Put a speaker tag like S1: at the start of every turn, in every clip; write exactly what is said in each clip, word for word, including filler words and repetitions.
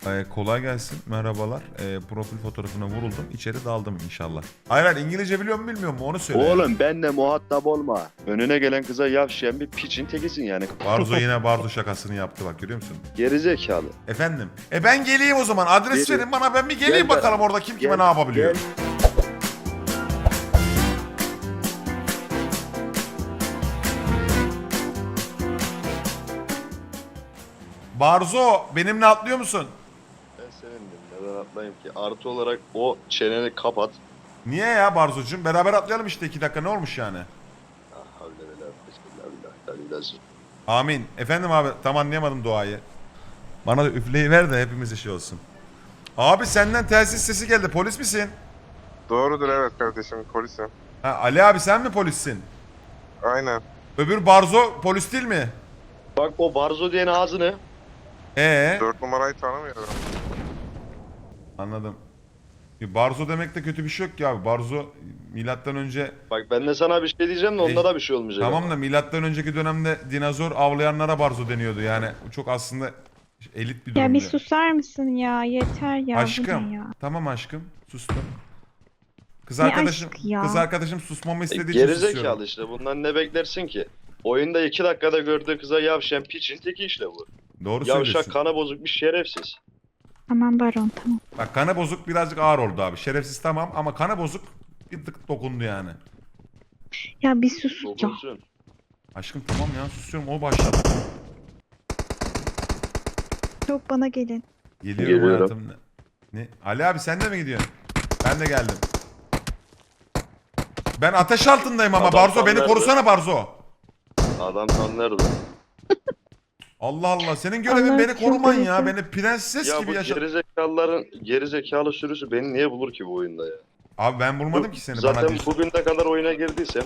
S1: Ee, kolay gelsin. Merhabalar. Ee, profil fotoğrafına vuruldum. İçeri daldım inşallah. Hayır hayır, İngilizce biliyor mu bilmiyor mu onu söyle. yani.
S2: Oğlum benle muhatap olma. Önüne gelen kıza yavşayan bir piçin tekisin yani.
S1: Barzo yine Barzo şakasını yaptı bak, görüyor musun?
S2: Gerizekalı.
S1: Efendim. E ben geleyim o zaman. Adres
S2: Geliyor.
S1: verin bana, ben bir geleyim
S2: Gel ben-
S1: bakalım orada kim kime
S2: Gel-
S1: ne yapabiliyor.
S2: gel.
S1: Barzo benimle atlıyor musun?
S2: Ben seninle neden atlayayım ki? Artı olarak o çeneni kapat.
S1: Niye ya Barzocuğum? Beraber atlayalım işte, iki dakika ne olmuş yani?
S2: Ah, havle ve la kuvvete illa billah.
S1: Amin. Efendim abi, tam anlayamadım duayı. Bana da üfleyi ver de hepimiz işi olsun. Abi senden telsiz sesi geldi, polis misin?
S3: Doğrudur, evet kardeşim, polisim.
S1: Ha, Ali abi sen mi polissin?
S3: Aynen.
S1: Öbür Barzo polis değil mi?
S2: Bak o Barzo diyen ağzını.
S1: Ee,
S3: Dört numarayı tanımıyorum.
S1: anladım. Bir Barzo demekte kötü bir şey yok ki abi. Barzo milattan önce,
S2: Bak ben de sana bir şey diyeceğim de onda da bir şey olmayacak.
S1: tamam
S2: ama.
S1: da milattan önceki dönemde dinozor avlayanlara Barzo deniyordu. Yani bu çok aslında elit bir
S4: Ya
S1: durumdu.
S4: bir susar mısın ya? Yeter ya. Bu
S1: Aşkım.
S4: ne ya?
S1: Tamam aşkım. Sustum. Kız
S4: Ne
S1: arkadaşım,
S4: aşkı ya?
S1: kız arkadaşım susmamı
S2: E,
S1: istediği için susuyorum.
S2: Gerizekalı işte. Bundan ne beklersin ki? Oyunda iki dakikada gördüğü kıza yavşayan piçin teki işte bu.
S1: Doğru
S2: Yavşak
S1: söylüyorsun.
S2: kana bozuk bir şerefsiz.
S4: Tamam Baron tamam.
S1: Bak kana bozuk birazcık ağır oldu abi. Şerefsiz tamam ama kana bozuk bir tık dokundu yani.
S4: Ya bir sus ya.
S2: Dokunsun.
S1: Aşkım tamam ya, susuyorum, o başladı.
S4: Yok bana gelin.
S1: Geliyorum,
S2: Geliyorum.
S1: hayatım. Ne? Ne? Ali abi sen de mi gidiyorsun? Ben de geldim. Ben ateş altındayım ama
S2: Adam
S1: Barzo
S2: tam
S1: beni
S2: nerede?
S1: korusana Barzo.
S2: Adam tam nerede?
S1: Allah Allah, senin görevin
S4: Allah
S1: beni koruman ya.
S4: çıldıracağım.
S1: Beni prenses
S2: Ya
S1: gibi
S2: bu
S1: yaşa.
S2: gerizekalıların gerizekalı sürüsü beni niye bulur ki bu oyunda ya?
S1: Abi ben bulmadım ki seni, bana
S2: Zaten
S1: diyorsun.
S2: bugüne kadar oyuna girdiysem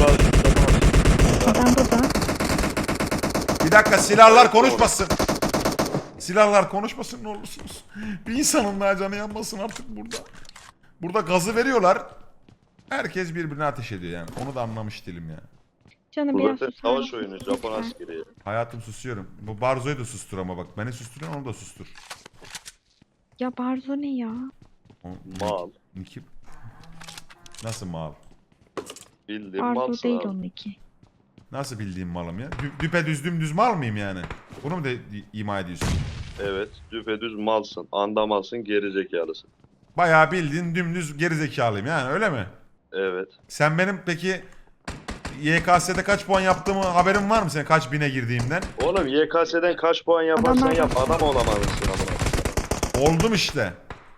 S4: Adam burada.
S1: Bir dakika, silahlar konuşmasın. Silahlar konuşmasın ne olursunuz. Bir insanın daha canı yanmasın artık burada. Burada gazı veriyorlar. Herkes birbirine ateş ediyor yani. Onu da anlamış değilim ya.
S4: Canım
S2: bu
S4: biraz
S2: zaten
S4: susar
S2: savaş
S4: mısın
S2: oyunu,
S4: lütfen?
S2: Japon askeri.
S1: Hayatım susuyorum. Bu Barzo'yu da sustur ama bak. Beni susturuyorsun, onu da sustur.
S4: Ya Barzo ne ya?
S1: O,
S2: Mal.
S1: Niki... Nasıl mal?
S2: Bildiğin
S4: Barzo
S2: malsın
S4: değil
S2: abi.
S4: onunki.
S1: Nasıl bildiğim malım ya? Dü düpedüz dümdüz mal mıyım yani? Bunu mu de ima ediyorsun?
S2: Evet, düpedüz malsın, andamalsın, gerizekalısın.
S1: Bayağı bildiğin dümdüz gerizekalıyım yani, öyle mi?
S2: Evet.
S1: Sen benim peki Y K S'de kaç puan yaptığımı haberin var mı senin, kaç bine girdiğimden?
S2: Oğlum Y K S'den kaç puan yaparsan
S4: Adam-
S2: yap, adam olamazsın amına.
S1: Oldum işte.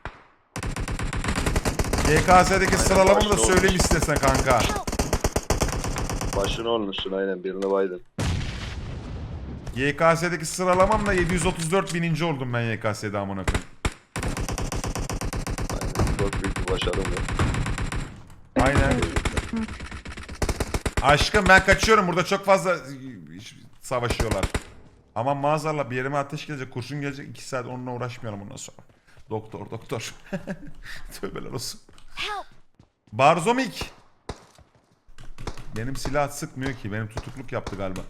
S1: Y K S'deki sıralamamı da
S2: başta
S1: söyleyeyim
S2: olmuş.
S1: istersen kanka.
S2: Başını olmuşsun aynen, birini baydın.
S1: Y K S'deki sıralamamla yedi yüz otuz dört bininci oldum ben Y K S'de amına koyayım.
S2: Aynen, çok büyük bir başarım ya.
S1: Aynen. Aşkım ben kaçıyorum, burada çok fazla savaşıyorlar. Aman maazallah bir yerime ateş gelecek, kurşun gelecek, iki saat onunla uğraşmayalım ondan sonra. Doktor doktor. Tövbeler olsun. Barzomik. Benim silah sıkmıyor ki, benim tutukluk yaptı galiba.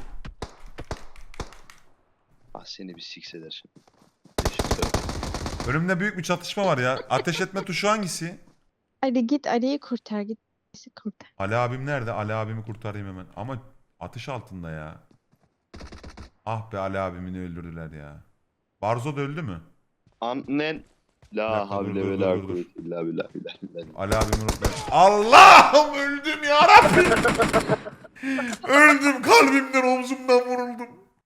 S2: Ah seni bir siks eder şimdi. Teşekkür ederim.
S1: Önümde büyük bir çatışma var ya. Ateş etme tuşu hangisi?
S4: Ali git Ali'yi kurtar git. Bizi kurtar.
S1: Ali abim nerede? Ali abimi kurtarayım hemen. Ama ateş altında ya. Ah be, Ali abimini öldürdüler ya. Barzo da öldü mü?
S2: Annen
S1: Bir dakika,
S2: la
S1: dur,
S2: havle
S1: dur,
S2: ve
S1: dur,
S2: la
S1: dur, dur.
S2: kuvvete illa billah billah billah.
S1: Ali abimi unut ben. Allah'ım öldüm ya Rabbim. Öldüm, kalbimden omzumdan vuruldum.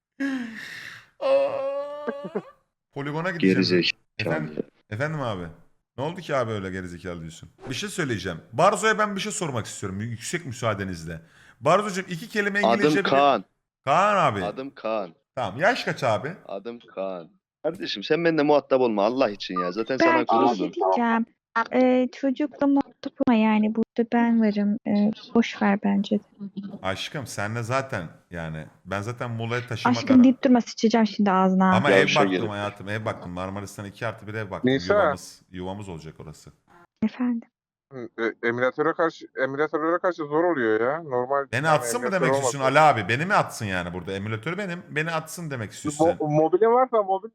S1: Aa. Poligona gideceğim.
S2: Gerizekalı.
S1: Efendim, efendim abi. Ne oldu ki abi öyle gerizekalı diyorsun? Bir şey söyleyeceğim. Barzo'ya ben bir şey sormak istiyorum. Yüksek müsaadenizle. Barzo'cum iki kelime İngilizce
S2: Adım
S1: bile-
S2: Kaan.
S1: Kaan abi.
S2: Adım Kaan.
S1: Tamam, yaş kaç abi?
S2: Adım Kaan. Kardeşim sen benimle muhatap olma Allah için ya. Zaten sana
S4: Ben bir
S2: kuruldum.
S4: şey diyeceğim. Ee, çocukla muhatap olma yani burada ben varım. Ee, boş ver bence de.
S1: Aşkım senle zaten yani ben zaten Muğla'ya taşımak
S4: Aşkım deyip durma sıçacağım şimdi ağzına.
S1: ama
S2: Ya
S1: ev
S2: bir şey
S1: baktım
S2: gelip.
S1: hayatım, ev baktım. Marmaris'ten iki artı bir ev baktım.
S3: Nisa.
S1: Yuvamız, yuvamız olacak orası.
S4: Efendim.
S3: E, emülatöre karşı emülatörlere karşı zor oluyor ya. Normal.
S1: Beni
S3: yani
S1: atsın mı
S3: emülatör
S1: demek
S3: olmasa.
S1: istiyorsun Ali abi? Beni mi atsın yani burada? Emülatör benim. Beni atsın demek istiyorsun sen.
S3: Mo- mobilin varsa mobil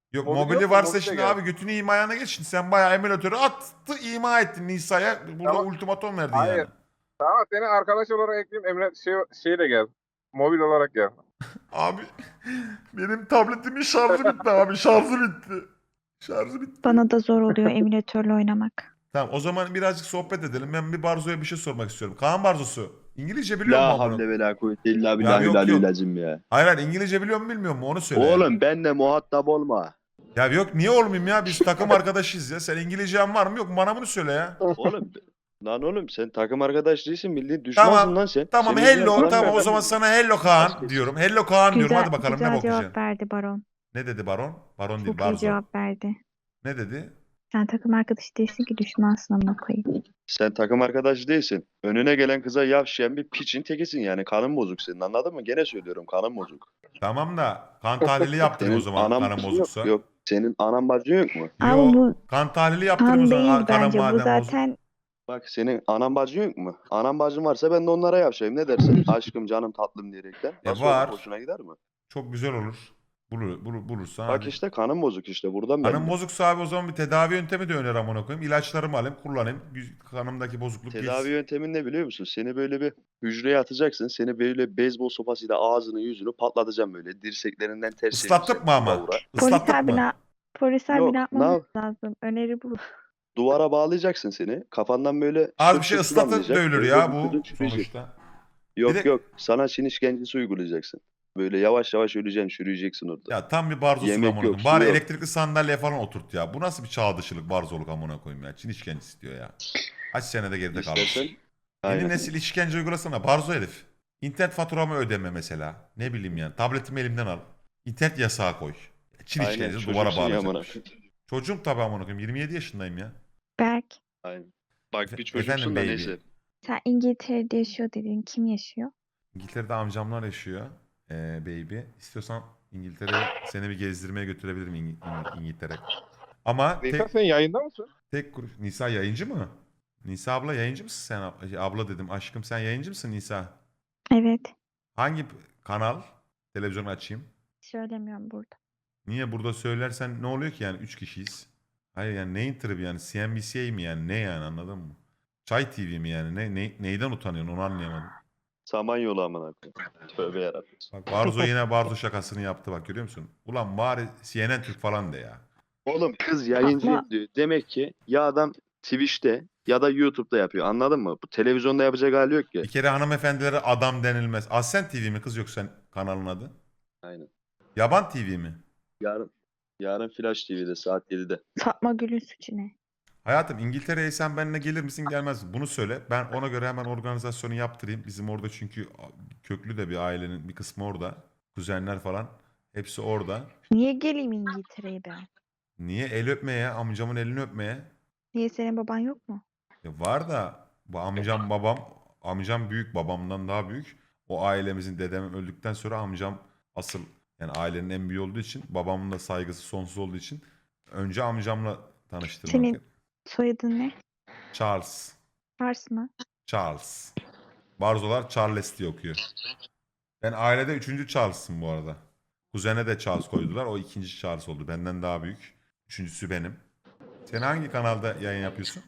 S1: Yok
S3: Mobil
S1: mobili
S3: yok mu?
S1: varsa
S3: Mobil de
S1: şimdi
S3: gel.
S1: abi götünü imayana geç. Şimdi sen bayağı emülatörü attı ima ettin Nisa'ya. Burada
S3: Tamam.
S1: ultimatom verdin
S3: Hayır.
S1: yani.
S3: Tamam seni arkadaş olarak ekleyeyim. Emre şey, şeyle gel. Mobil olarak gel.
S1: Abi benim tabletimin şarjı bitti abi şarjı bitti. Şarjı bitti.
S4: Bana da zor oluyor emülatörle oynamak.
S1: Tamam o zaman birazcık sohbet edelim. Ben bir Barzo'ya bir şey sormak istiyorum. Kaan Barzosu İngilizce biliyor
S2: La
S1: mu amına?
S2: havle ve la kuvvete illa
S1: Ya
S2: billahi
S1: yok,
S2: la
S1: yok.
S2: lazım ya.
S1: Hayır hayır İngilizce biliyor mu bilmiyor mu onu söyle.
S2: Oğlum benle muhatap olma.
S1: Ya yok niye olmayayım ya biz takım arkadaşıyız ya. Sen İngilizcen var mı yok mu bana bunu söyle ya.
S2: Oğlum lan oğlum sen takım arkadaş değilsin bildiğin düşmansın
S1: Tamam,
S2: lan sen.
S1: Tamam
S2: Senin
S1: hello
S2: yüzünden
S1: tamam o
S2: ben-
S1: zaman sana hello Kaan diyorum. Hello Kaan diyorum
S4: Güzel,
S1: hadi bakalım ne
S4: güzel
S1: bakacaksın.
S4: cevap verdi Baron.
S1: Ne dedi Baron? Baron değil
S4: Çok iyi
S1: Barzo.
S4: cevap verdi.
S1: Ne dedi?
S4: Sen takım arkadaşı değilsin ki düşmansın amına koyayım.
S2: Sen takım arkadaş değilsin. Önüne gelen kıza yavşayan bir piçin tekisin yani kanın bozuk senin anladın mı? Gene söylüyorum kanın bozuk.
S1: Tamam da kan tahlili yaptırayım o
S2: Senin
S1: zaman
S2: anan
S1: kanın
S2: bacın
S1: bozuksa.
S2: Yok, yok. Senin anan bacın yok mu?
S4: Ama
S1: Yok
S4: bu
S1: kan tahlili yaptırayım o
S4: kan
S1: zaman
S4: değil
S1: a- kanın
S4: bence. Bu
S1: madem bozuk.
S4: zaten
S2: Bak senin anan bacın yok mu? Anan bacın varsa ben de onlara yavşayayım. Ne dersin? Aşkım canım tatlım diyerekten.
S1: E,
S2: Nasıl
S1: var.
S2: olur? Hoşuna gider mi?
S1: Çok güzel olur. Bulur, bulur, bulursan
S2: Bak
S1: hadi.
S2: işte kanın bozuk işte buradan
S1: Kanım
S2: belli.
S1: bozuksa abi o zaman bir tedavi yöntemi de öner amına koyayım. İlaçlarımı alayım kullanayım. Güz- Kanımdaki bozukluk
S2: Tedavi
S1: geçsin.
S2: yöntemin ne biliyor musun? Seni böyle bir hücreye atacaksın. Seni böyle beyzbol sopasıyla ağzını yüzünü patlatacağım böyle. Dirseklerinden ters
S1: Islattık
S2: çevireceğim,
S1: mı ama?
S2: vura vura.
S4: polis
S1: Islattık
S4: abi
S1: mı?
S4: ne, polis abi
S2: Yok,
S4: ne
S2: ne
S4: yapmamız
S2: yap-
S4: lazım? Öneri bu.
S2: Duvara bağlayacaksın seni. Kafandan böyle
S1: Az
S2: şıp
S1: bir şey
S2: şıp su
S1: ıslatıp
S2: damlayacak.
S1: dövülür
S2: Böyle
S1: ya
S2: vücudun
S1: bu
S2: çürüyecek.
S1: sonuçta.
S2: Yok
S1: Bir de-
S2: yok. Sana Çin işkencesi uygulayacaksın. Böyle yavaş yavaş öleceksin, çürüyeceksin orada.
S1: Ya tam bir barzosun
S2: Yemek
S1: amına
S2: yok,
S1: koyayım.
S2: su
S1: Bari
S2: yok.
S1: elektrikli sandalye falan oturt ya. Bu nasıl bir çağ dışılık barzoluk amına koyayım ya. Çin işkencesi diyor ya. Kaç senede geride kalmış.
S2: İstersen
S1: Yeni
S2: aynen.
S1: nesil işkence uygulasana. Barzo herif. İnternet faturamı ödeme mesela. Ne bileyim yani. Tabletimi elimden al. İnternet yasağı koy. Çin
S2: Aynen.
S1: işkencesi
S2: Çocuksun
S1: duvara
S2: ya amına
S1: bağlayacakmış. Çocuğum tabii amına koyayım. yirmi yedi yaşındayım ya.
S4: Berk,
S2: Aynen. Bak bir
S1: Efendim
S2: çocuksun da
S1: baby.
S2: neyse.
S4: sen İngiltere'de yaşıyor dedin. Kim yaşıyor?
S1: İngiltere'de amcamlar yaşıyor. Ee, baby. İstiyorsan İngiltere'ye seni bir gezdirmeye götürebilirim İng- İng- İngiltere. Ama
S3: Nisa
S1: tek,
S3: sen yayında mısın?
S1: tek kuruş. Nisa yayıncı mı? Nisa abla yayıncı mısın sen? ab- şey, Abla dedim. Aşkım sen yayıncı mısın Nisa?
S4: Evet.
S1: Hangi p- kanal? Televizyonu açayım.
S4: Söylemiyorum burada.
S1: Niye burada söylersen ne oluyor ki yani üç kişiyiz. Hayır yani neyin tribi yani C N B C mi yani ne yani anladın mı? Çay T V mi yani ne, ne neyden utanıyorsun onu anlayamadım.
S2: Samanyolu amına koyayım. Tövbe yarabbim.
S1: Bak Barzo yine Barzo şakasını yaptı bak görüyor musun? Ulan bari C N N Türk falan de ya.
S2: Oğlum kız yayıncı
S4: Ama-
S2: diyor. Demek ki ya adam Twitch'te ya da YouTube'da yapıyor. Anladın mı? Bu televizyonda yapacak hali yok ki.
S1: Bir kere hanımefendilere adam denilmez. Ascent T V mi kız yoksa kanalın adı?
S2: Aynen.
S1: Yaban T V mi?
S2: Yarın yarın Flash T V'de saat yedide.
S4: Fatma Gül'ün suçu ne?
S1: Hayatım İngiltere'ye sen benimle gelir misin gelmez misin? Bunu söyle. Ben ona göre hemen organizasyonu yaptırayım. Bizim orada çünkü köklü de bir ailenin bir kısmı orada. Kuzenler falan. Hepsi orada.
S4: Niye geleyim İngiltere'ye ben?
S1: Niye? El öpmeye, amcamın elini öpmeye.
S4: Niye senin baban yok mu?
S1: Ya var da bu amcam babam, amcam büyük babamdan daha büyük. O ailemizin dedem öldükten sonra amcam asıl yani ailenin en büyüğü olduğu için babamın da saygısı sonsuz olduğu için önce amcamla tanıştırmak.
S4: Senin soyadın ne?
S1: Charles.
S4: Fars mı?
S1: Charles. Barzolar Charles diye okuyor. Ben ailede üçüncü Charles'ım bu arada. Kuzene de Charles koydular. O ikinci Charles oldu. Benden daha büyük. Üçüncüsü benim. Sen hangi kanalda yayın yapıyorsun?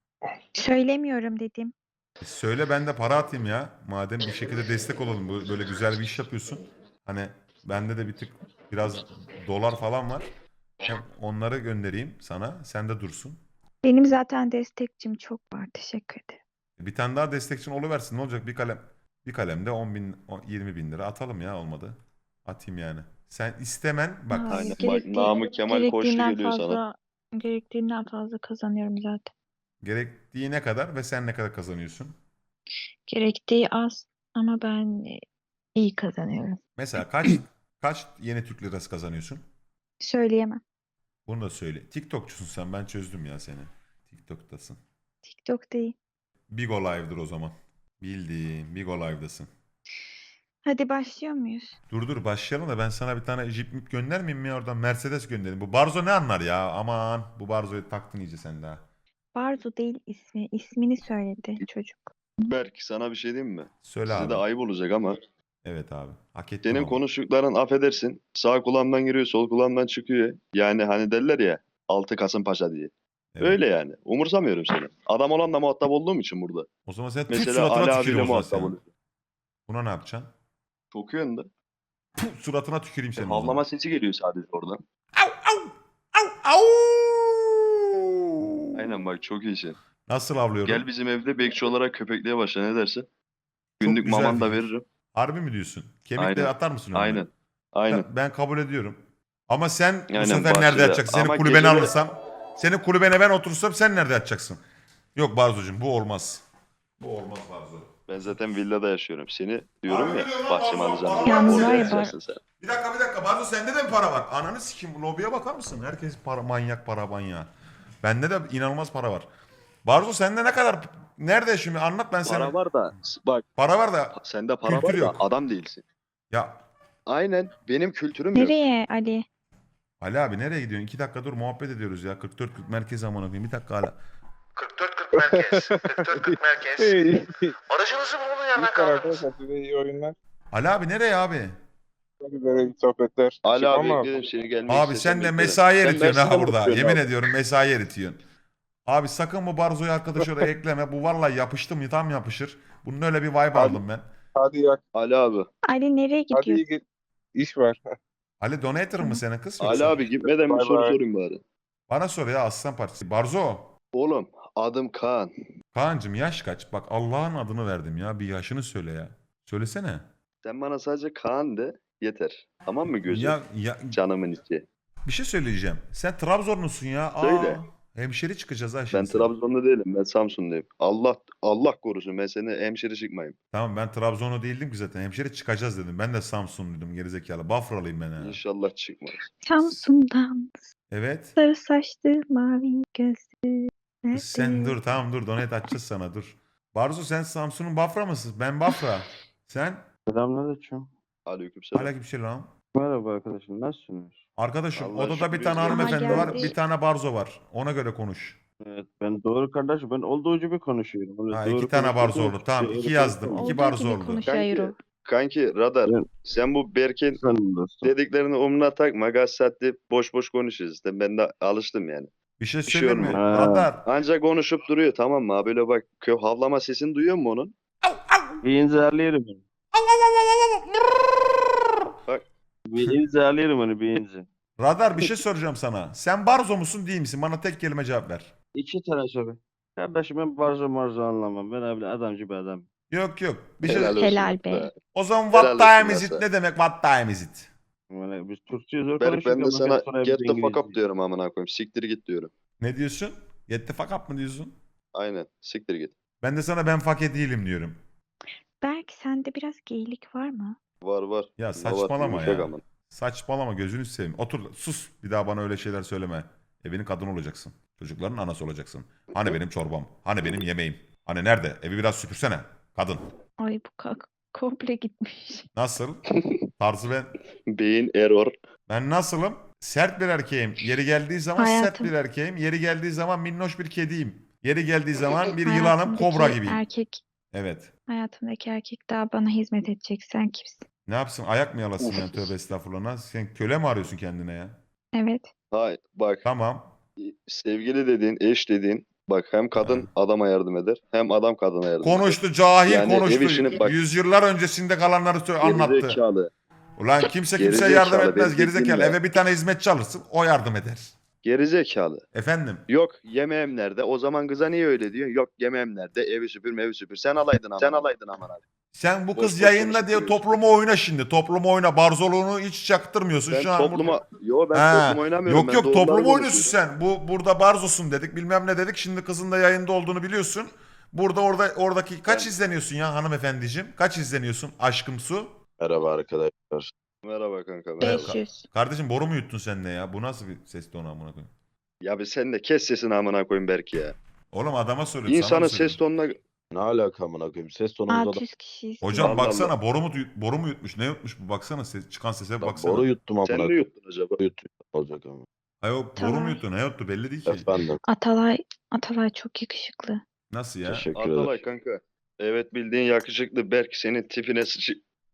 S4: Söylemiyorum dedim.
S1: E söyle ben de para atayım ya. Madem bir şekilde destek olalım. Bu- Böyle güzel bir iş yapıyorsun. Hani bende de bir tık biraz dolar falan var. Hem onları göndereyim sana. Sen de dursun.
S4: Benim zaten destekçim çok var. Teşekkür ederim.
S1: Bir tane daha destekçin oluversin. Ne olacak? Bir kalem bir kalemde on bin, on- yirmi bin lira atalım ya olmadı. Atayım yani. Sen istemen bak.
S4: Hayır,
S2: Aynen. Bak,
S4: gerektiği-
S2: Namık Kemal Koçlu
S4: gerektiğinden
S2: geliyor
S4: fazla,
S2: sana.
S4: Gerektiğinden fazla kazanıyorum zaten.
S1: Gerektiği ne kadar ve sen ne kadar kazanıyorsun?
S4: Gerektiği az ama ben e, iyi kazanıyorum.
S1: Mesela kaç kaç yeni Türk lirası kazanıyorsun?
S4: Söyleyemem.
S1: Bunu da söyle. TikTokçusun sen. Ben çözdüm ya seni. TikTok'tasın.
S4: TikTok değil.
S1: Bigo Live'dır o zaman. Bildiğim Bigo Live'dasın.
S4: Hadi başlıyor muyuz?
S1: Dur dur başlayalım da ben sana bir tane Jeep mip göndermeyeyim mi ya oradan? Mercedes gönderin. Bu Barzo ne anlar ya? Aman bu Barzo'yu taktın iyice sen daha.
S4: Barzo değil ismi. İsmini söyledi çocuk.
S2: Berk sana bir şey diyeyim mi?
S1: Söyle
S2: Size
S1: abi.
S2: de ayıp olacak ama
S1: Evet abi. Hak ettim
S2: Senin
S1: ama.
S2: konuştukların affedersin. Sağ kulağımdan giriyor, sol kulağımdan çıkıyor. Yani hani derler ya altı Kasımpaşa diye.
S1: Evet.
S2: Öyle yani. Umursamıyorum seni. Adam olanla muhatap olduğum için burada.
S1: O zaman sen tut
S2: Mesela
S1: suratına
S2: Ali
S1: tüküreyim
S2: abiyle
S1: o zaman
S2: muhatap
S1: senin.
S2: oluyorum.
S1: Buna ne yapacaksın?
S2: Çok yönde.
S1: Puh, suratına tüküreyim
S2: E,
S1: senin o zaman.
S2: havlama sesi geliyor sadece oradan.
S1: Au au au au.
S2: Aynen bak çok iyisin.
S1: Nasıl avlıyorum?
S2: Gel bizim evde bekçi olarak köpekliğe başla ne dersin?
S1: Çok
S2: Günlük
S1: güzel
S2: maman da
S1: fikir.
S2: veririm.
S1: Harbi mi diyorsun? Kemikleri
S2: Aynen.
S1: atar mısın önüme?
S2: Aynen. Aynen.
S1: Ta- Ben kabul ediyorum. Ama sen bu
S2: Aynen,
S1: sefer nerede
S2: bahçede.
S1: yatacaksın? Senin
S2: Ama
S1: kulübeni
S2: geceleri-
S1: alırsam, senin kulübene ben oturursam sen nerede yatacaksın? Yok Barzocuğum bu olmaz. Bu olmaz Barzo.
S2: Ben zaten villada yaşıyorum. Seni diyorum
S1: Abi
S2: ya
S1: biliyorum
S2: bahçeme
S1: ama-
S2: alacağım.
S1: ama-
S2: diye.
S4: Yalnız
S2: Orada
S4: var ya
S2: yatacaksın sen.
S1: Bir dakika bir dakika Barzo sende de mi para var? Ananı sikeyim lobiye bakar mısın? Herkes para manyak para manyağı. Bende de inanılmaz para var. Barzo sende ne kadar nerede şimdi anlat ben sana.
S2: Para var da bak
S1: Para var da
S2: sende para
S1: Kültür
S2: var da
S1: yok.
S2: adam değilsin.
S1: ya
S2: Aynen benim kültürüm yok.
S4: Nereye Ali?
S1: Ali abi nereye gidiyorsun? İki dakika dur muhabbet ediyoruz ya. kırk dört kırk merkez amına koyayım. Bir dakika hala. kırk dört kırk merkez. kırk dört kırk merkez. Aracınızı bulun yerden
S3: Lütfen arkadaşlar size iyi oyunlar.
S1: Ali abi nereye abi?
S3: Sizlere iyi sohbetler.
S2: Ali abi
S3: Çıkmam
S2: bekledim seni gelmeyi
S1: Abi
S2: istesem
S1: sen de
S2: beklerim.
S1: mesai
S2: Sen
S1: eritiyorsun ha
S2: Mersin'den
S1: burada.
S2: bakıyorsun
S1: Yemin
S2: abi.
S1: ediyorum mesai eritiyorsun. Abi sakın bu Barzo'yu arkadaş oraya ekleme. Bu vallahi yapıştı mı tam yapışır. Bunun öyle bir vibe
S3: Abi-
S1: aldım ben.
S3: Hadi yak.
S2: Ali abi.
S4: Ali nereye
S3: Hadi
S4: gidiyor?
S3: iyi git. İş var.
S1: Ali donator mı senin kız?
S2: Ali
S1: yoksa?
S2: abi gitmeden bir
S3: Bay
S2: soru
S3: bay.
S2: sorayım bari.
S1: Bana sor ya Aslan Partisi. Barzo.
S2: Oğlum adım Kaan.
S1: Kaan'cım yaş kaç? Bak Allah'ın adını verdim ya. Bir yaşını söyle ya. Söylesene.
S2: Sen bana sadece Kaan de yeter. Tamam mı gözüm?
S1: Ya, ya
S2: Canımın içi.
S1: bir şey söyleyeceğim. Sen Trabzonlusun ya. Aa,
S2: Söyle.
S1: hemşeri çıkacağız ha
S2: Ben
S1: şimdi.
S2: Trabzon'da değilim. Ben Samsun'dayım. Allah Allah korusun ben seni hemşire çıkmayayım.
S1: Tamam ben Trabzonlu değildim ki zaten. Hemşeri çıkacağız dedim. Ben de Samsunluydum gerizekalı. Bafralıyım ben ha.
S2: İnşallah çıkmaz.
S4: Samsun'dan
S1: Evet.
S4: sarı saçlı mavi gözlü.
S1: Kız sen
S4: nerede?
S1: dur tamam dur donate açacağız sana dur. Barzo sen Samsun'un Bafra mısın? Ben Bafra. Sen?
S5: Selamünaleyküm.
S2: Aleykümselam.
S1: Aleykümselam.
S5: Merhaba arkadaşım, nasılsınız?
S1: Arkadaşım
S2: Allah
S1: odada bir
S2: şükür
S1: tane
S2: biz de
S1: hanımefendi
S4: geldik.
S1: var. Bir tane Barzo var. Ona göre konuş.
S5: Evet, ben doğru kardeşim, ben olduğu gibi konuşuyorum. Öyle
S1: Ha,
S5: doğru
S1: iki tane
S5: konuşmadığım
S1: Barzo oldu.
S5: için
S1: Tamam
S5: öyle
S1: iki yazdım.
S5: konuşamam.
S1: İki
S4: Olduğu
S1: Barzo
S4: gibi
S1: oldu.
S4: konuşuyor
S2: Kanki, kanki radar.
S5: Evet.
S2: Sen bu Berk'in
S5: Efendim dostum.
S2: dediklerini umruna takma. Gaz saatte boş boş konuşuyoruz. İşte ben de alıştım yani.
S1: Bir şey
S2: Bir şey
S1: söyleyeyim mi?
S2: olmuyor.
S5: Ha.
S1: Radar.
S2: Ancak konuşup duruyor tamam mı? Ha böyle bak kö havlama sesini duyuyor musun onun?
S5: Bir inzarlıyorum onu.
S2: Bak.
S5: Bir inzarlıyorum onu, bir inzi.
S1: Radar bir şey soracağım sana. Sen Barzo musun değil misin? Bana tek kelime cevap ver.
S5: İki tane soru. Kardeşim ben barzo marzo anlamam. Ben öyle adamcı bir adam.
S1: Yok yok. Bir şey...
S2: Helal olsun
S4: Helal be.
S1: O zaman
S2: Helal
S1: what
S2: olsun
S1: time
S2: ya
S1: is it
S2: sen.
S1: ne demek what time is it?
S5: Yani biz Türkçeyi zor
S2: Berk
S5: konuşuyoruz
S2: ben de
S5: ama
S2: sana
S5: sonra
S2: get
S5: biz
S2: the fuck up
S5: İngilizce.
S2: diyorum amına koyayım. Siktir git diyorum.
S1: Ne diyorsun? Get the fuck up mı diyorsun?
S2: Aynen. Siktir git.
S1: Ben de sana ben fake değilim diyorum.
S4: Berk sende biraz geylik var mı?
S2: Var var.
S1: Ya
S2: Ne var?
S1: saçmalama
S2: Yumuşak
S1: ya.
S2: amına.
S1: Saçmalama gözünü seveyim. Otur sus. Bir daha bana öyle şeyler söyleme. Evinin kadını olacaksın. Çocukların anası olacaksın. Hani benim çorbam? Hani benim yemeğim? Hani nerede? Evi biraz süpürsene. Kadın.
S4: Ay bu kalk komple gitmiş.
S1: Nasıl? Tarzı ben.
S2: Beyin error.
S1: Ben nasılım? Sert bir erkeğim. Yeri geldiği zaman sert
S4: Hayatım.
S1: bir erkeğim. Yeri geldiği zaman minnoş bir kediyim. Yeri geldiği zaman bir yılanım
S4: Hayatımdaki
S1: kobra gibiyim.
S4: Erkek,
S1: Evet.
S4: hayatımdaki erkek daha bana hizmet edecek. Sen kimsin?
S1: Ne yapsın? Ayak mı yalasın yani tövbe estağfurullah. Sen köle mi arıyorsun kendine ya?
S4: Evet.
S2: Hayır bak
S1: Tamam.
S2: sevgili dediğin, eş dediğin bak hem kadın
S1: Ha.
S2: adama yardım eder hem adam kadına yardım eder.
S1: Konuştu cahil
S2: Yani ev
S1: konuştu.
S2: işini bak-
S1: Yüzyıllar öncesinde kalanları sö- anlattı.
S2: Gerizekalı.
S1: Ulan kimse kimseye
S2: Gerizekalı,
S1: yardım
S2: beni
S1: etmez gerizekalı.
S2: dinle.
S1: Eve bir tane hizmetçi alırsın o yardım eder.
S2: Gerizekalı.
S1: Efendim?
S2: Yok yemeğim nerede? O zaman kıza niye öyle diyorsun? Yok yemeğim nerede? Evi süpür, evi süpür. Sen alaydın ama. Sen alaydın ama.
S1: Sen bu
S2: Boş
S1: kız
S2: boş
S1: yayında
S2: konuşup
S1: diye
S2: duruyorsun.
S1: topluma oyna şimdi. Topluma oyna. Barzoluğunu hiç çaktırmıyorsun
S2: Ben
S1: şu an.
S2: topluma...
S1: burada.
S2: Yo ben
S1: Ha,
S2: toplum oynamıyorum.
S1: Yok
S2: ben
S1: yok
S2: doğruları
S1: topluma oynuyorsun
S2: konuşuyorum.
S1: sen. Bu burada barzosun dedik bilmem ne dedik. Şimdi kızın da yayında olduğunu biliyorsun. Burada orada oradaki kaç
S2: Ben-
S1: izleniyorsun ya hanımefendiciğim? Kaç izleniyorsun aşkım su?
S5: Merhaba arkadaşlar.
S2: Merhaba kanka. Merhaba.
S4: beş yüz.
S1: Kardeşim boru mu yuttun sen de ya? Bu nasıl bir ses tonu amına koyayım?
S2: Ya bir sen de kes sesini amına koyayım belki ya.
S1: Oğlum adama söylüyorum. sana
S2: İnsanın
S1: mı
S2: ses
S1: söylüyorum?
S2: tonuna...
S5: Ne alaka amına koyayım? Ses tonumuzda da
S4: altı yüz kişiyiz.
S1: Hocam
S2: Allah
S1: baksana
S2: Allah.
S1: boru mu boru mu yutmuş? Ne yutmuş bu? Baksana ses, çıkan sese bir
S5: da
S1: baksana.
S5: boru yuttum amına
S2: Sen ne
S5: koyayım.
S2: yuttun acaba?
S5: Yuttum olacak ama.
S1: Hayır boru mu
S4: Tamam.
S1: yuttu? Ne yuttu? Belli değil ki.
S5: Efendim.
S4: Atalay, Atalay çok yakışıklı.
S1: Nasıl ya?
S5: Teşekkür
S2: Atalay
S5: ederim.
S2: kanka. Evet bildiğin yakışıklı Berk senin tipine sıçı...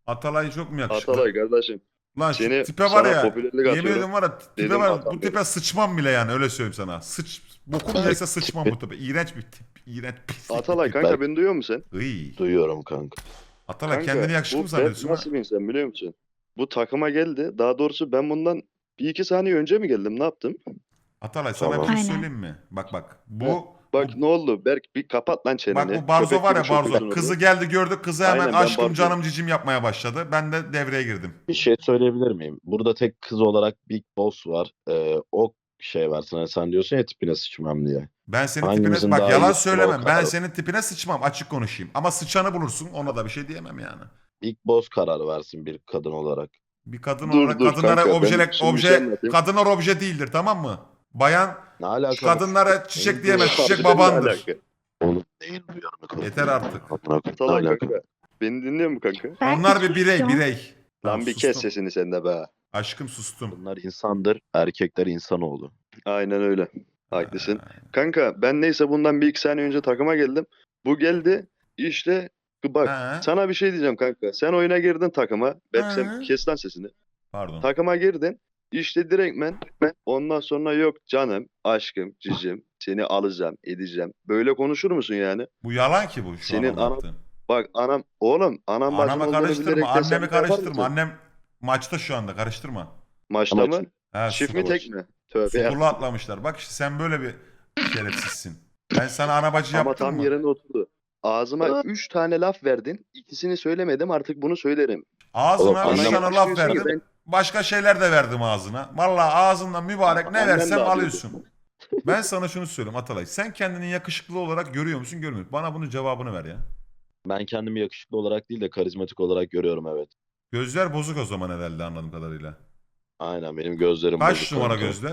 S1: Atalay çok mu yakışıklı?
S2: Atalay kardeşim.
S1: Lan şu
S2: Seni
S1: tipe var
S2: sana
S1: ya.
S2: popülerlik
S1: Yemin
S2: atıyorum.
S1: ediyorum var ya tipe
S2: Dedim
S1: var.
S2: Atalay.
S1: Bu tipe sıçmam bile yani öyle söyleyeyim sana. Sıç. Bokum yese sıçmam bu tipe. İğrenç bir tip. İğrenç pislik.
S2: Atalay
S1: bir tip.
S2: kanka beni duyuyor musun sen?
S1: Iy.
S5: Duyuyorum kanka.
S1: Atalay
S2: Kanka,
S1: kendini yakışıklı
S2: bu
S1: mı zannediyorsun?
S2: Berk
S1: ha?
S2: nasıl bir insan biliyor musun? Bu takıma geldi. Daha doğrusu ben bundan bir iki saniye önce mi geldim? Ne yaptım?
S1: Atalay sana
S5: Tamam.
S1: bir şey
S4: Aynen.
S1: söyleyeyim mi? Bak bak. Bu
S2: Bak ne oldu? Berk bir kapat lan çeneni.
S1: Bak bu Barzo
S2: Köpek
S1: var ya
S2: gibi
S1: Barzo.
S2: şokuyorsun
S1: Kızı
S2: orada.
S1: geldi gördük. Kızı hemen
S2: Aynen, ben
S1: aşkım
S2: Barzo'yum.
S1: canım cicim yapmaya başladı. Ben de devreye girdim.
S5: Bir şey söyleyebilir miyim? Burada tek kız olarak Big Boss var. Ee, o şey var sana, sen diyorsun ya tipine sıçmam diye.
S1: Ben senin
S5: Hangimizin
S1: tipine bak
S5: daha
S1: yalan
S5: iyi
S1: söylemem.
S5: futbol
S1: Ben
S5: kadar?
S1: senin tipine sıçmam. Açık konuşayım. Ama sıçanı bulursun. Ona da bir şey diyemem yani.
S5: Big Boss karar versin bir kadın olarak.
S1: Bir kadın
S2: Dur,
S1: olarak
S2: dur
S1: kadınlara
S2: kanka, ben
S1: obje,
S2: şimdi bir şey
S1: obje
S2: anlatayım.
S1: kadınlar obje değildir tamam mı? Bayan
S5: Ne alaka?
S1: kadınlara çiçek
S5: Benim
S1: diyemez.
S5: bu
S1: Çiçek
S2: Harbiden ne
S1: babandır.
S2: alaka?
S5: Oğlum neyin duyarını
S1: Yeter artık.
S2: Atalay kanka. Beni dinliyor mu kanka?
S4: Ben
S1: Onlar bir birey
S4: susacağım.
S1: birey.
S2: Lan
S1: Tamam,
S2: bir
S1: sustum.
S2: kes sesini sen de be.
S1: Aşkım sustum.
S5: Bunlar insandır, erkekler insanoğlu.
S2: Aynen öyle. Haklısın. Kanka ben neyse bundan bir iki saniye önce takıma geldim. Bu geldi işte bak
S1: Ha.
S2: sana bir şey diyeceğim kanka. Sen oyuna girdin takıma. Belki
S1: Ha.
S2: sen kes lan sesini.
S1: Pardon.
S2: Takıma girdin. İşte direktmen ben ondan sonra yok canım, aşkım, cicim seni alacağım, edeceğim. Böyle konuşur musun yani?
S1: Bu yalan ki bu şu
S2: Senin
S1: an
S2: anam-
S1: anlattığın.
S2: Bak anam oğlum anam bacım
S1: Anamı
S2: olduğunu
S1: karıştırma.
S2: bilerek de sen
S1: Annemi
S2: bunu yapar
S1: karıştırma.
S2: mısın?
S1: Annem maçta şu anda karıştırma.
S2: Maçta
S5: Ama
S2: mı?
S1: Ha,
S2: Çift
S1: su-
S2: mi tek mi? Tövbe ya.
S1: Sukula atlamışlar. Bak işte sen böyle bir şerefsizsin. Ben sana ana bacı
S2: Ama
S1: yaptım
S2: tam
S1: mı?
S2: yerine oturdu. Ağzıma üç tane laf verdin. İkisini söylemedim artık bunu söylerim.
S1: Ağzına
S5: Oğlum,
S1: üç
S5: annem-
S1: tane laf
S2: Diyorsun ki
S1: verdim.
S2: ben-
S1: Başka şeyler de verdim ağzına. Vallahi ağzından mübarek ne
S2: Annem de
S1: versem
S2: alıyordu.
S1: alıyorsun. Ben sana şunu söyleyeyim Atalay. Sen kendini yakışıklı olarak görüyor musun görmüyor musun? Bana bunun cevabını ver ya.
S5: Ben kendimi yakışıklı olarak değil de karizmatik olarak görüyorum, evet.
S1: Gözler bozuk o zaman herhalde anladığım kadarıyla.
S5: Aynen, benim gözlerim
S1: Kaç
S5: bozuk
S1: numara
S5: kanka.
S1: gözler?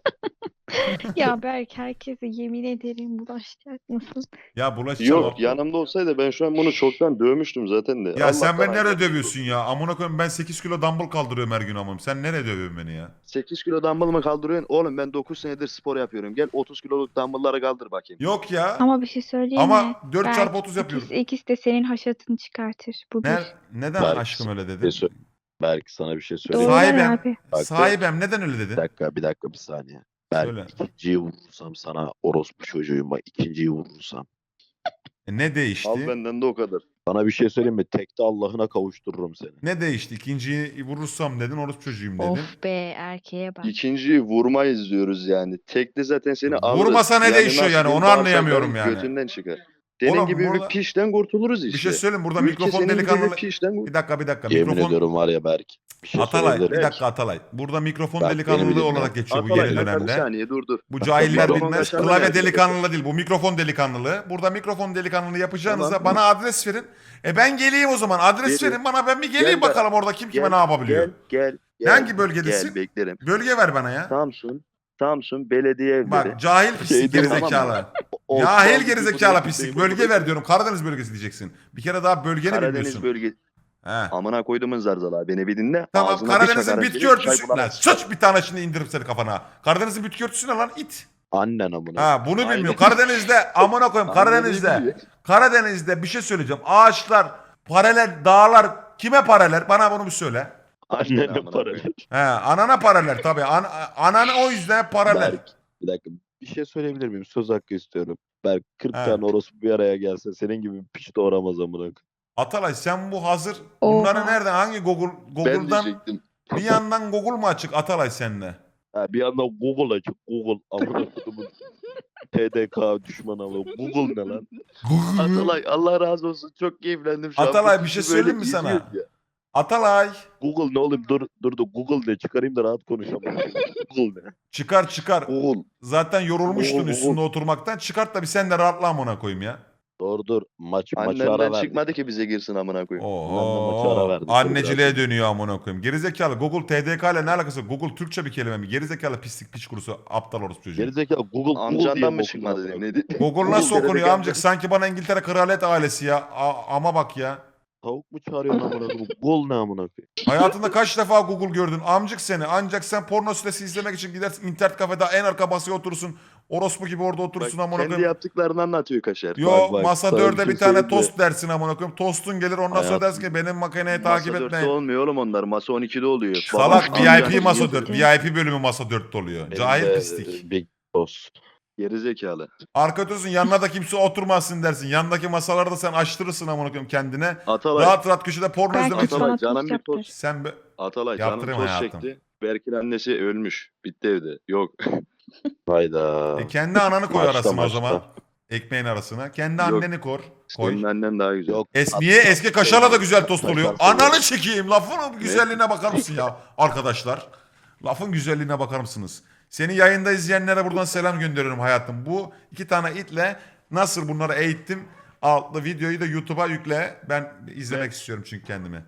S4: Ya Berk herkese yemin ederim bulaşacak mısın?
S1: Ya bulaşacağım.
S2: Yok yanımda olsaydı ben şu an bunu çoktan dövmüştüm zaten de.
S1: Ya sen
S2: Allah'tan
S1: beni nereye
S2: ayrı.
S1: dövüyorsun ya? Amına koyayım ben sekiz kilo dumbbell kaldırıyorum her gün amım. Sen nereye dövüyorsun beni ya?
S2: sekiz kilo dumbbell mı kaldırıyorsun? Oğlum ben dokuz senedir spor yapıyorum. Gel otuz kiloluk dumbbellları kaldır bakayım.
S1: Yok ya.
S4: Ama bir şey söyleyeyim
S1: Ama
S4: mi?
S1: dört
S4: Berk,
S1: çarpı otuz yapıyorum.
S4: ikisi, ikisi de senin haşatını çıkartır. Bu bir.
S1: Ne, neden
S5: Berk,
S1: aşkım öyle
S5: Bir
S1: dedin?
S5: şey sö- Belki sana bir şey
S4: Doğru
S5: söyleyeyim.
S1: Sahibem.
S4: abi.
S5: Bak,
S1: Sahibem neden öyle
S5: Bir
S1: dedin?
S5: dakika, bir dakika, bir saniye. Ben
S1: Söyle.
S5: ikinciyi vurursam sana orospu çocuğuyum, bak ikinciyi vurursam.
S1: E, ne değişti?
S2: Al benden de o kadar.
S5: Sana bir şey söyleyeyim mi? Tekte Allah'ına kavuştururum seni.
S1: Ne değişti? İkinciyi vurursam dedin, orospu çocuğuyum dedin.
S4: Of be erkeğe bak.
S2: İkinciyi vurmayız diyoruz yani. Tekli zaten seni alır.
S1: Vurmasa ne değişiyor
S2: nasıl
S1: yani?
S2: diyeyim,
S1: Onu anlayamıyorum
S2: bağırsakların
S1: yani.
S2: Götünden çıkar. Senin
S1: Oğlum
S2: gibi
S1: burada-
S2: bir pişten kurtuluruz işte.
S1: Bir şey söyleyeyim burada
S2: Ülke
S1: mikrofon
S2: senin gibi bir
S1: delikanlı...
S2: pişten kur-
S1: Bir dakika bir dakika.
S5: Yemin
S1: Mikrofon...
S5: ediyorum var ya Berk. Bir şey
S1: Atalay
S5: söyleyebilir
S1: bir
S5: miyim?
S1: dakika Atalay. Burada mikrofon
S5: Bak,
S1: delikanlılığı
S5: beni bir dinle.
S1: olarak geçiyor bu
S2: Atalay,
S1: yeni
S2: kanka, bir
S1: dönemde.
S2: saniye dur dur.
S1: Bu cahiller
S2: Mikrofonun
S1: bilmez.
S2: kaçarına
S1: Klavye
S2: geldi.
S1: delikanlılığı değil. Bu mikrofon delikanlılığı. Burada mikrofon delikanlılığı yapacağınıza
S2: Tamam.
S1: bana adres verin. E ben geleyim o zaman. Adres
S2: Veriyorum.
S1: verin bana, ben bir geleyim
S2: Gel,
S1: bakalım orada kim kime
S2: Gel,
S1: ne yapabiliyor.
S2: Gel gel. gel
S1: Hangi bölgedesin?
S2: Gel beklerim.
S1: Bölge ver bana ya.
S2: Samsun. Samsun Belediye Evleri.
S1: Bak cahil pislik
S5: Şeyde-
S1: gerizekalı.
S2: Tamam
S5: O-
S1: Cahil
S2: o-
S1: gerizekalı
S2: bu-
S1: pislik.
S2: bu-
S1: Bölge ver diyorum. Karadeniz bölgesi diyeceksin. Bir kere daha bölgeni
S2: Karadeniz
S1: bilmiyorsun.
S2: bölge.
S1: He.
S2: Amına koydumun zarzalar beni bir dinle.
S1: Tamam
S2: Ağzına bir
S1: Karadeniz'in
S2: çakarak
S1: bitki
S2: gelip çay
S1: örtüsü. Lan
S2: bulamazsın.
S1: sıç bir tane şimdi indiririm seni kafana. Karadeniz'in bitki örtüsü ne lan it.
S5: Annen amına.
S1: Ha bunu
S2: Aynen.
S1: bilmiyor. Karadeniz'de amına koyayım
S2: Aynen
S1: Karadeniz'de.
S2: öyle.
S1: Karadeniz'de bir şey söyleyeceğim. Ağaçlar, paralel, dağlar kime paralel? Bana bunu bir söyle.
S2: Annen
S5: Annene
S2: amına
S5: para
S2: koyayım.
S5: ver.
S1: He, anana paralel tabii. An ananı o yüzden paralel.
S5: Berk, bir dakika. Bir şey söyleyebilir miyim? Söz hakkı istiyorum. Berk kırk
S1: He.
S5: tane orospu bir araya gelse senin gibi bir piç doğuramaz amına koyayım.
S1: Atalay sen bu hazır.
S4: Oha.
S1: Bunları nereden? Hangi Google
S2: Ben
S1: Google'dan
S2: diyecektim.
S1: bir yandan Google mu açık Atalay seninle?
S5: Ha, bir yandan Google açık. Google amına koyduğumun T D K düşmanı ama Google ne lan?
S2: Atalay Allah razı olsun. Çok keyiflendim şu an.
S1: Atalay,
S2: Bu
S1: bir şey
S2: kızı böyle
S1: söyleyeyim mi sana?
S2: izliyoruz ya.
S1: Atalay
S5: Google ne oğlum, dur dur dur Google de çıkarayım da rahat konuşamam. Google ne?
S1: çıkar çıkar.
S2: Oğul.
S1: Zaten yorulmuştun
S2: Google,
S1: üstünde
S2: Google.
S1: oturmaktan. Çıkart da bir sen de rahatla amına koyayım ya.
S5: Doğru dur. Maç maçı ara
S2: Annenden
S5: verdik.
S2: çıkmadı ki bize girsin amına koyayım.
S5: maçı ara
S1: Oho.
S5: verdik.
S1: Anneciliğe dönüyor amına koyayım. Gerizekalı Google T D K ile ne alakası var? Google Türkçe bir kelime mi? Gerizekalı pislik piç kurusu aptal orospu çocuğu.
S5: Gerizekalı Google Google diye
S2: Amcandan
S5: mi
S2: mı
S5: okudun
S2: çıkmadı
S5: amına
S2: dedi. Ne dedi?
S1: Google nasıl
S2: Google
S1: okunuyor
S2: dedi,
S1: amcık? Sanki bana İngiltere kraliyet ailesi ya. A- ama bak ya.
S5: Tavuk mu çağırıyorsun amına koyayım? Gol ne amına koyayım?
S1: Hayatında kaç defa Google gördün? Amcık seni. Ancak sen porno sitesi izlemek için gidersin internet kafede en arka masaya oturursun. Orospu gibi orada
S2: Bak,
S1: oturursun amına
S2: kendi
S1: koyayım.
S2: yaptıklarını anlatıyor Kaşar.
S1: Yo
S5: Bak, bak,
S1: masa
S5: sana
S1: dörde
S5: bir
S1: bir
S5: şey
S1: tane
S5: söyleyeyim mi?
S1: tost dersin amına koyayım. Tostun gelir ondan sonra
S5: Hayatım-
S1: dersin ki benim makineyi takip
S2: Masa dörtte
S1: etmeyin.
S2: olmuyor oğlum onlar. Masa on ikide oluyor.
S1: Salak
S2: Babam
S1: V I
S2: amca-
S1: P masa dört.
S4: diyordu.
S1: V I P bölümü masa dörtte oluyor.
S5: Benim
S1: Cahil
S5: de,
S1: pislik.
S5: e, Big Boss.
S2: Gerizekalı.
S1: Arka otursun yanına da kimse oturmasın dersin. Yanındaki masaları da sen açtırırsın amına koyayım kendine.
S2: Atalay.
S1: Rahat rahat köşede porno
S4: Belki
S1: izlemek için.
S2: Atalay
S4: bana
S2: canım
S4: tost
S2: bir
S4: yaptır.
S2: tost.
S1: Sen be...
S2: Atalay canım
S1: Yaptırayım
S2: toz
S1: hayatım.
S2: çekti. Berk'in annesi ölmüş. Bitti evde. Yok.
S5: Hayda.
S1: E kendi ananı koy
S5: Maçta,
S1: arasına o
S5: maçta.
S1: zaman. Ekmeğin arasına. Kendi
S2: Yok.
S1: anneni kor. Koy.
S2: Senin annen daha güzel.
S5: Yok.
S1: Es niye eski kaşarla da güzel tost oluyor?
S5: Kaşar
S1: Ananı çekeyim. Lafın güzelliğine bakar mısın ya arkadaşlar? Lafın güzelliğine bakar mısınız? Seni yayında izleyenlere buradan selam gönderiyorum hayatım. Bu iki tane itle nasıl bunları eğittim? Altlı videoyu da YouTube'a yükle. Ben izlemek istiyorum çünkü kendimi.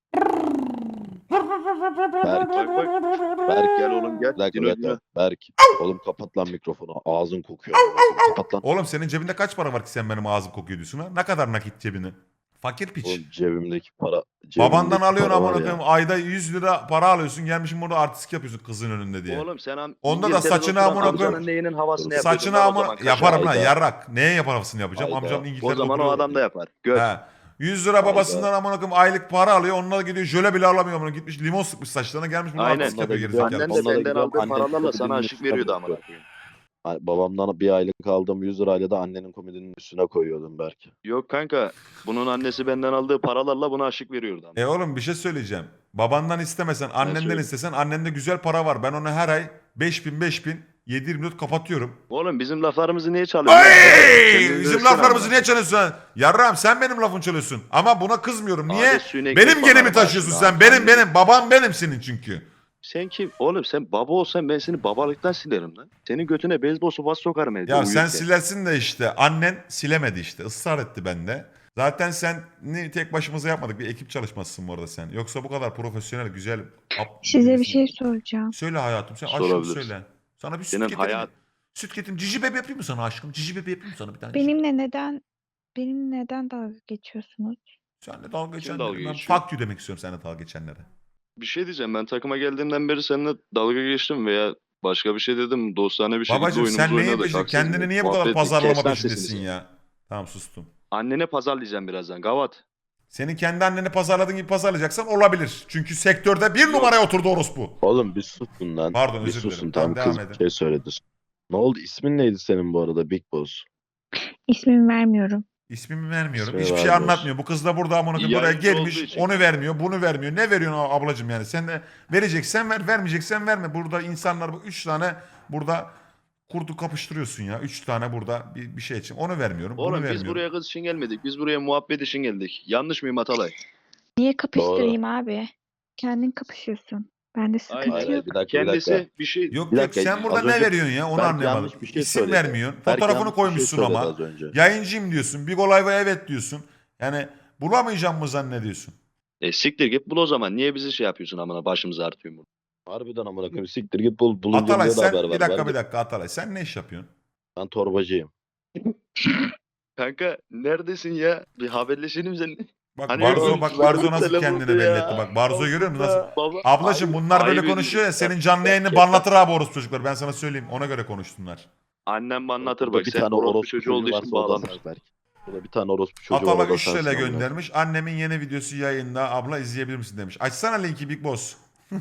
S5: Berk,
S2: Bak bak. Berk gel oğlum gel.
S5: bir dakika,
S2: Dino,
S5: bir dakika.
S2: Dino.
S5: Berk. Oğlum kapat lan mikrofonu. Ağzın kokuyor. amına koyayım. Kapat lan.
S1: Oğlum senin cebinde kaç para var ki sen benim ağzım kokuyor diyorsun ha? Ne kadar nakit cebine? Fakir piç.
S5: Oğlum cebimdeki para. cebimdeki
S1: Babandan alıyorsun
S5: para
S1: amına
S5: var ya.
S1: koyayım ayda yüz lira para alıyorsun gelmişsin burada artistik yapıyorsun kızın önünde diye.
S2: Oğlum sen am-
S1: Onda da
S2: İngiltere'de
S1: saçını
S2: oturan
S1: amına
S2: amcanın
S1: koyayım.
S2: neyinin havasını yapacaksın
S1: Saçını
S2: lan o
S1: ama
S2: zaman Kaşar.
S1: yaparım lan
S5: Hayda.
S1: yarrak. Neye yaparsın yapacağım?
S5: Hayda.
S1: Amcam
S2: O
S1: İngiltere'de
S2: zaman o
S1: oturuyor.
S2: adam da yapar. Gör.
S1: He. yüz lira babasından amına koyayım aylık para alıyor. Onunla gidiyor jöle bile alamıyor amına gitmiş limon sıkmış saçlarına gelmiş bunu
S2: Aynen.
S1: artistik yapıyor
S5: Onunla da
S1: gerizekalı.
S2: Annen de
S5: Onunla da
S2: benden
S5: gidiyorum,
S2: aldığı
S5: annem
S2: paralarla
S5: komedinin
S2: sana aşık
S5: üstüne
S2: veriyordu
S5: koyuyor.
S2: amına koyayım.
S5: Ay, babamdan bir aylık aldığım yüz lirayla da annenin komedinin üstüne koyuyordum Berk.
S2: Yok kanka. Bunun annesi benden aldığı paralarla buna aşık veriyordu. ama.
S1: E oğlum bir şey söyleyeceğim. Babandan istemesen annenden
S2: söyle.
S1: istesen annende güzel para var. Ben onu her ay beş bin beş bin yedi yirmi dört kapatıyorum.
S2: Oğlum bizim laflarımızı niye çalıyorsun?
S1: Ay!
S2: Kendini
S1: Bizim
S2: dövsene
S1: laflarımızı
S2: amına.
S1: niye çalıyorsun sen? Yarrağım sen benim lafını çalıyorsun. Ama buna kızmıyorum. Niye?
S2: Adet suyunu ekmek
S1: Benim
S2: bana
S1: genimi
S2: bak
S1: taşıyorsun
S2: şimdi,
S1: sen.
S2: abi.
S1: Benim benim. Babam benim senin çünkü.
S2: Sen kim? Oğlum sen baba olsan ben seni babalıktan silerim lan. Senin götüne beyzbol sopası sokarım evde.
S1: Ya sen
S2: uyurken.
S1: silersin de işte annen silemedi işte ısrar etti bende. Zaten sen ni tek başımıza yapmadık bir ekip çalışmasısın bu arada sen. Yoksa bu kadar profesyonel güzel. ap-
S4: Size bir
S1: birisin.
S4: şey soracağım.
S1: Söyle hayatım sen aşkım
S2: Sorabilirsin.
S1: söyle. Sana bir süt
S2: Senin
S1: getireyim.
S2: hayat-
S1: Süt getireyim. Cici bebe yapayım mı sana aşkım? Cici bebe yapayım mı sana bir tane?
S4: Benimle neden benimle neden dalga geçiyorsunuz?
S1: Senle dalga geçenlere.
S2: dalga
S1: Ben
S2: geçiyor?
S1: fuck you demek istiyorum seninle dalga geçenlere.
S2: Bir şey diyeceğim ben takıma geldiğimden beri seninle dalga geçtim veya başka bir şey dedim. Dostane bir şekilde
S1: Babacım
S2: oyunumuzu
S1: sen neyin
S2: oynadık.
S1: peşinde?
S2: haksız
S1: Kendini
S2: mıyım?
S1: niye bu kadar
S2: Muhabbet ettik.
S1: pazarlama
S2: Kes lan
S1: peşindesin
S2: sesini.
S1: ya? Tamam sustum.
S2: Annene pazarlayacağım birazdan. Gavat.
S1: Senin kendi anneni pazarladığın gibi pazarlayacaksan olabilir. Çünkü sektörde bir numaraya oturdu orospu.
S5: Oğlum bir susun lan.
S1: Pardon,
S5: bir
S1: özür dilerim.
S5: susun
S1: Tamam,
S5: tamam kız
S1: devam
S5: bir
S1: edin.
S5: şey söyledi. Ne oldu? İsmin neydi senin bu arada Big Boss?
S4: İsmimi vermiyorum.
S1: İsmimi vermiyorum.
S5: İsmini
S1: Hiçbir şey
S5: vermiyorsun.
S1: anlatmıyor. Bu kız da burada amına koyayım buraya
S2: Yayıncı olduğu
S1: gelmiş.
S2: için.
S1: Onu vermiyor, bunu vermiyor. Ne veriyorsun ablacığım yani? Sen de vereceksen ver, vermeyeceksen verme. Burada insanlar bu üç tane burada kurdu kapıştırıyorsun ya. Üç tane burada bir, bir şey için. Onu vermiyorum, bunu
S2: Oğlum biz
S1: vermiyorum.
S2: buraya kız için gelmedik. Biz buraya muhabbet için geldik. Yanlış mıyım Atalay?
S4: Niye kapıştırayım abi? Kendin kapışıyorsun. Bende sıkıntı
S2: Hayır,
S5: Hayır,
S4: yok.
S5: hayır, bir dakika bir
S2: Kendisi
S5: dakika.
S2: bir şey...
S1: Yok
S5: Bir
S1: yok
S5: dakika,
S1: sen burada
S5: az
S1: ne
S5: önce
S1: veriyorsun ya? Onu
S5: Berk
S1: anlayamadım.
S5: yanlış bir şey
S1: İsim
S5: söyledi.
S1: vermiyorsun.
S5: Berk
S1: Fotoğrafını
S5: yanlış bir şey
S1: koymuşsun
S5: söyledi
S1: ama.
S5: az önce.
S1: Yayıncıyım diyorsun. Big Olay'a evet diyorsun. Yani bulamayacağım mı zannediyorsun?
S2: E siktir git bul o zaman. Niye bizi şey yapıyorsun amına başımıza artıyorsun bunu?
S5: Harbiden amına koyayım siktir git bul bulunca
S1: Atalay
S5: niye de
S1: sen
S5: haber ver.
S1: bir dakika
S5: Ben,
S1: bir
S5: de-
S1: dakika Atalay sen ne iş yapıyorsun?
S5: ben torbacıyım.
S2: Kanka neredesin ya? Bir haberleşelim seninle.
S1: Bak
S2: Hani
S1: Barzo
S2: yok,
S1: bak Barzo nasıl
S2: telefon
S1: kendini
S2: ya.
S1: belli etti. Bak Barzo görüyor musun nasıl?
S2: Baba,
S1: Ablacım
S2: ayıp-
S1: bunlar böyle
S2: ayıp
S1: konuşuyor ya
S2: ediyorsun.
S1: senin canlı yayını banlatır abi orospu çocuklar. Ben sana söyleyeyim ona göre konuşsunlar.
S2: Annem anlatır
S5: Burada
S2: bak.
S5: bir
S2: Sen
S5: tane
S2: orospu
S5: orospu
S2: çocuğu olduğu için
S5: varsa o da
S2: bağlanır.
S5: sensin Berk. Burada bir tane orospu çocuğu
S1: Atala
S5: var o da
S1: üç
S5: sensin
S1: T L
S5: amına.
S1: göndermiş. Annemin yeni videosu yayında. Abla izleyebilir misin demiş. Açsana linki Big Boss.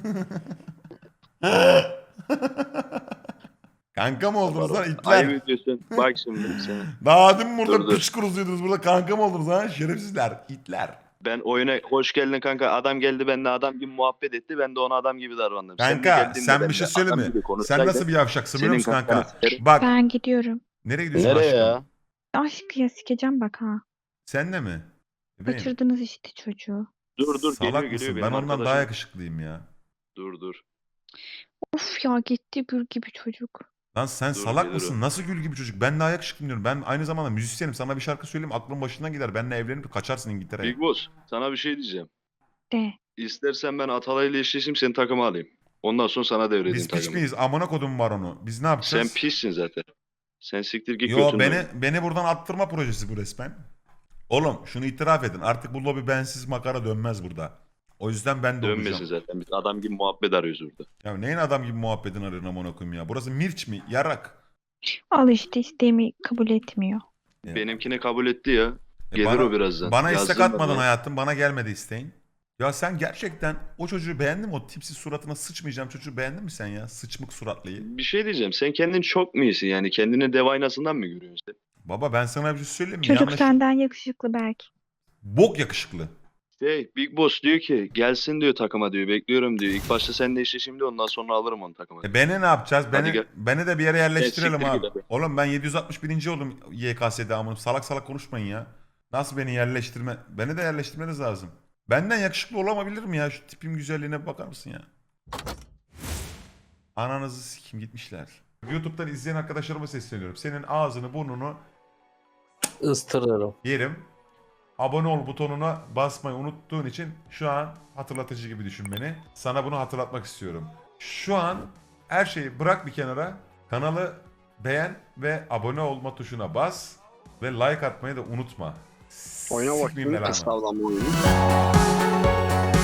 S1: Kanka mı oldunuz lan itler?
S2: Ayıp ediyorsun. Bak şimdi sen.
S1: Daha dün burada
S2: Dur, dur.
S1: piç kuruzuydunuz. Burada kanka mı oldunuz ha? Şerefsizler. İtler.
S2: Ben oyuna hoş geldin kanka. Adam geldi benimle adam gibi muhabbet etti. Ben de ona adam gibi davrandım. Sen de
S1: Kanka
S2: geldin de
S1: sen bir
S2: benimle
S1: şey söyle
S2: adam
S1: mi?
S2: gibi
S1: Sen
S2: konuşsaydın,
S1: nasıl bir yavşaksın biliyor
S2: senin
S1: musun
S2: kafanı
S1: kanka?
S2: sikerim.
S1: Bak
S4: Ben gidiyorum.
S1: nereye gidiyorsun
S5: Nereye
S1: aşkım?
S5: ya?
S4: Aşk ya sikeceğim bak ha.
S1: Sen de mi? Bebeğim.
S4: Kaçırdınız işte çocuğu.
S2: Dur dur
S1: Salak
S2: geliyor
S1: mısın?
S2: geliyor
S1: Ben
S2: benim
S1: ondan daha
S2: arkadaşım.
S1: yakışıklıyım ya.
S2: Dur dur.
S4: Of ya gitti gül gibi çocuk.
S1: Lan sen
S2: Dur,
S1: salak
S2: gelir
S1: mısın?
S2: o.
S1: Nasıl gül gibi çocuk? Ben daha yakışıklıyım diyorum. Ben aynı zamanda müzisyenim. Sana bir şarkı söyleyeyim aklın başından gider. Benimle evlenip kaçarsın İngiltere'ye.
S2: Big Boss sana bir şey diyeceğim.
S4: De.
S2: İstersen ben Atalay'la eşleşeyim seni takıma alayım. Ondan sonra sana devredeyim
S1: Biz piç
S2: takımı.
S1: miyiz? Amına kodum var onu. Biz ne
S2: Sen
S1: yapacağız?
S2: pissin zaten. Sen siktir git
S1: Yo
S2: götürme.
S1: beni beni buradan attırma projesi bu resmen. Oğlum şunu itiraf edin. Artık bu lobi bensiz makara dönmez burada. O yüzden ben de
S2: Dönmesin
S1: olacağım.
S2: zaten. Biz adam gibi muhabbet arıyoruz burada.
S1: Ya neyin adam gibi muhabbetin arıyorsun amına koyayım ya. Burası Mirç mi? Yarak.
S4: Al işte isteğimi kabul etmiyor.
S1: Ya.
S2: Benimkini kabul etti ya.
S1: E
S2: Gelir
S1: bana,
S2: o birazdan.
S1: Bana
S2: Yazdım
S1: istek
S2: ben
S1: atmadın
S2: ya.
S1: hayatım. Bana gelmedi isteğin. Ya sen gerçekten o çocuğu beğendin mi? O tipsiz suratına sıçmayacağım çocuğu beğendin mi sen ya? Sıçmık suratlıyı.
S2: Bir şey diyeceğim. Sen kendin çok mu iyisin? Yani kendini dev aynasından mı görüyorsun sen?
S1: Baba ben sana bir şey söyleyeyim mi?
S4: Çocuk
S1: Yanlış.
S4: senden yakışıklı belki.
S1: Bok yakışıklı.
S2: Şey, Big Boss diyor ki gelsin diyor takıma diyor. Bekliyorum diyor. İlk başta sen de işte şimdi ondan sonra alırım onu takıma.
S1: E beni ne yapacağız?
S2: Hadi
S1: Beni,
S2: gel.
S1: beni de bir yere yerleştirelim
S2: siktir
S1: abi.
S2: git hadi.
S1: Oğlum ben yedi yüz altmış birinci oldum Y K S'de amınım. Salak salak konuşmayın ya. Nasıl beni yerleştirme? Beni de yerleştirmeniz lazım. Benden yakışıklı olamabilir mi ya? Şu tipim güzelliğine bir bakar mısın ya? Ananızı sikim gitmişler. YouTube'dan izleyen arkadaşlarıma sesleniyorum. Senin ağzını burnunu
S6: Istırırım.
S1: yerim. Abone ol butonuna basmayı unuttuğun için şu an hatırlatıcı gibi düşün beni. Sana bunu hatırlatmak istiyorum. Şu an her şeyi bırak bir kenara. Kanalı beğen ve abone olma tuşuna bas. Ve like atmayı da unutma.
S7: Oyna
S1: Sikmeyeyim
S7: bakayım.
S1: belanı.
S7: Estağfurullah.